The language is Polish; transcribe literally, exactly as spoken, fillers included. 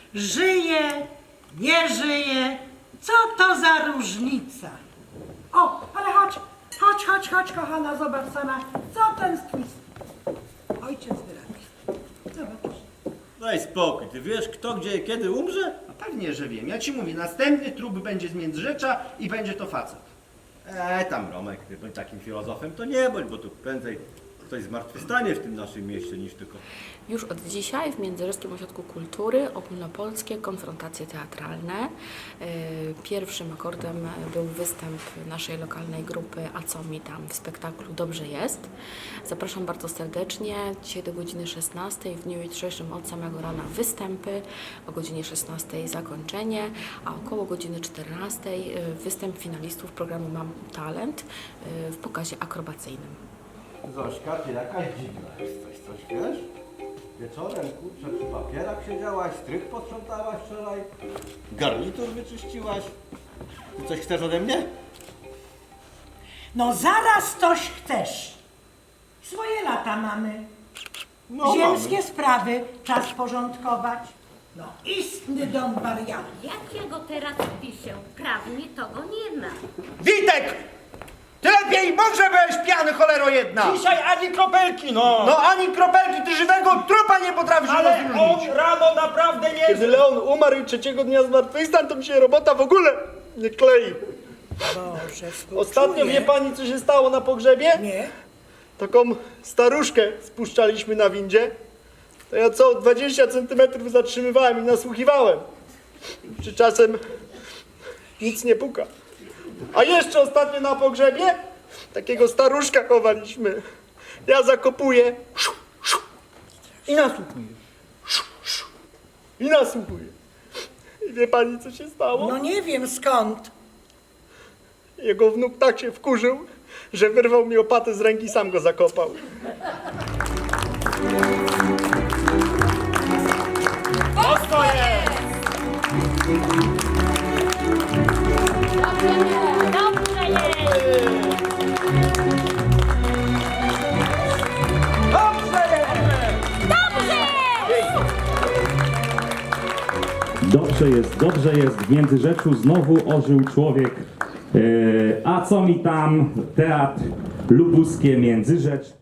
Żyje, nie żyje, co to za różnica? O, ale chodź, chodź, chodź, chodź, kochana, zobacz sama, co ten twój ojciec wyrabia. Zobacz. Daj spokój, ty wiesz kto, gdzie i kiedy umrze? No pewnie, że wiem. Ja ci mówię, następny trup będzie z Międzyrzecza i będzie to facet. Eee, tam Romek, ty bądź takim filozofem, to nie bądź, bo tu prędzej ktoś zmartwychwstanie w tym naszym mieście niż tylko... Już od dzisiaj w Międzyrzeckim Ośrodku Kultury ogólnopolskie konfrontacje teatralne. Yy, Pierwszym akordem był występ naszej lokalnej grupy A co mi tam w spektaklu Dobrze jest. Zapraszam bardzo serdecznie. Dzisiaj do godziny szesnastej, w dniu jutrzejszym od samego rana występy, o godzinie szesnastej zakończenie, a około godziny czternastej yy, występ finalistów programu Mam Talent yy, w pokazie akrobacyjnym. Zośka, ty jakaś dziwna jesteś, coś wiesz? Wieczorem, kurczę, przy papierach siedziałaś, strych posprzątałaś wczoraj, garnitur wyczyściłaś. Ty coś chcesz ode mnie? No zaraz coś chcesz. Swoje lata mamy. No, Ziemskie mamy. sprawy czas porządkować. No istny dom wariatów. Jak ja go teraz piszę? Prawnie to go nie ma. Witek! Ty lepiej mów, że byłeś pijany, cholero jedna! Dzisiaj ani kropelki, no! No ani kropelki, ty żywego trupa nie potrafisz Ale rozróżnić! on rano naprawdę nie... Kiedy Leon umarł i trzeciego dnia zmartwychwstał, to mi się robota w ogóle nie klei. Boże, współczuję. Ostatnio wie pani, co się stało na pogrzebie? Nie? Taką staruszkę spuszczaliśmy na windzie. To ja co dwadzieścia centymetrów zatrzymywałem i nasłuchiwałem. Czy czasem nic nie puka. A jeszcze ostatnio na pogrzebie takiego staruszka chowaliśmy. Ja zakopuję szu, szu, i nasłuchuję. Szu, szu, I nasłuchuję. I wie pani, co się stało? No nie wiem skąd. Jego wnuk tak się wkurzył, że wyrwał mi opatę z ręki i sam go zakopał. Dobrze jest! Dobrze jest, dobrze jest, w Międzyrzeczu znowu ożył człowiek. Yy, a co mi tam, teatr lubuskie Międzyrzecz.